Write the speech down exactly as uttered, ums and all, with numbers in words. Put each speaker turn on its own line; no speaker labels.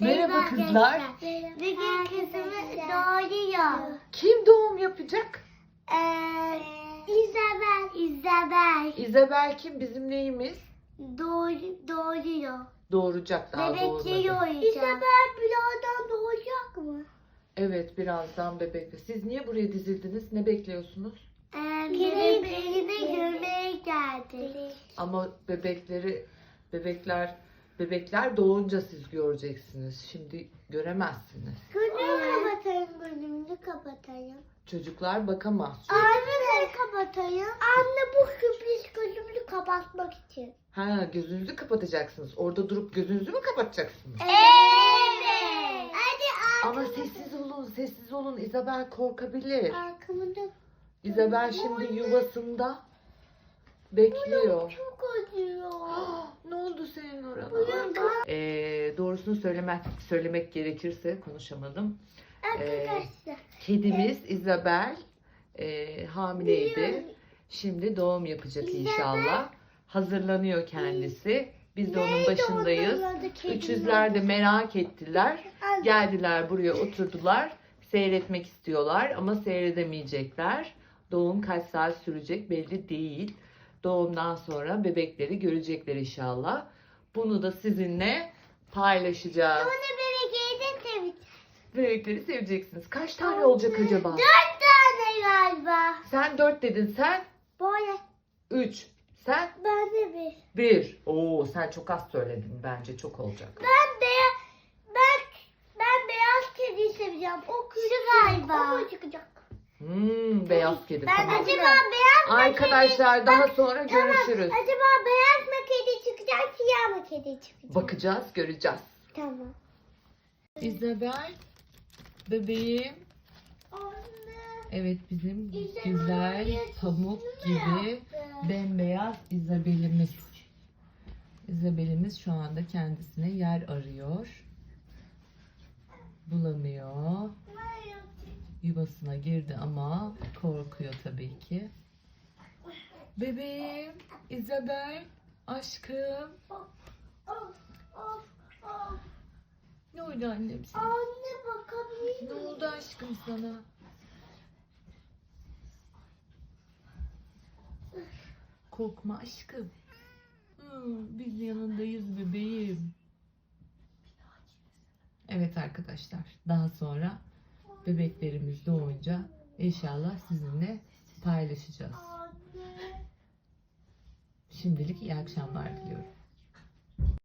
Merhaba kızlar.
Bugün kızımız doğuruyor.
Kim doğum yapacak?
Ee, İzabel. İzabel.
İzabel kim? Bizim neyimiz?
Doğru, doğuruyor.
Doğuracak, daha
Bebekleri
doğurmadı.
doğuracak. İzabel birazdan doğacak mı?
Evet, birazdan bebekle. Siz niye buraya dizildiniz? Ne bekliyorsunuz?
Ee, bebeklerini görmeye geldik.
Ama bebekleri, bebekler, bebekler doğunca siz göreceksiniz. Şimdi göremezsiniz.
Gözümü kapatayım, gözümü kapatayım.
Çocuklar bakamaz.
Anne kapatayım. Anne bu sürpriz gözümü kapatmak için.
Ha, gözünüzü kapatacaksınız. Orada durup gözünüzü mü kapatacaksınız?
Evet. Hadi
Ama sessiz olun, sessiz olun. İzabel korkabilir.
arkamda
İzabel şimdi yuvasında bekliyor.
çok acıyor.
Ne oldu senin orana?
Burada
Ee, doğrusunu söylemek söylemek gerekirse konuşamadım.
arkadaşlar.
Kedimiz İzabel e, hamileydi. Şimdi doğum yapacak inşallah. Hazırlanıyor kendisi. Biz de onun başındayız. Üçüzler de merak ettiler. Geldiler buraya oturdular. Seyretmek istiyorlar ama seyredemeyecekler. Doğum kaç saat sürecek belli değil. Doğumdan sonra bebekleri görecekler inşallah. Bunu da sizinle paylaşacağız.
Bunu bebek yedin seveceğim.
Bebekleri seveceksiniz. Kaç tane olacak acaba?
Dört tane galiba.
Sen dört dedin, sen
Böyle.
üç. Sen
Ben de bir.
bir. Oo, sen çok az söyledin. Bence çok olacak.
Ben beyaz. Ben ben beyaz kediyi seveceğim. O küçük galiba. O çıkacak.
Hmm, beyaz kedi.
Ben
Tamam.
acaba beyaz mı
Arkadaşlar daha sonra
Tamam.
görüşürüz.
Acaba beyaz mı kedi çıkacak, siyah mı kedi çıkacak?
Bakacağız, göreceğiz.
Tamam.
İzabel, bebeğim.
Anne.
Evet, bizim
İzabel
güzel
yaşasın
pamuk
mı
gibi
yaptı?
bembeyaz İzabel'imiz. İzabel'imiz şu anda kendisine yer arıyor. Bulamıyor. Yuvasına girdi ama korkuyor tabii ki. Bebeğim, İzabel, aşkım. Ne oldu annem sana?
Anne bakabilir
Ne
miyim?
oldu aşkım sana? Korkma aşkım. Hmm, biz yanındayız bebeğim. Evet arkadaşlar, daha sonra bebeklerimiz doğunca inşallah sizinle paylaşacağız.
Anne.
Şimdilik iyi akşamlar diliyorum.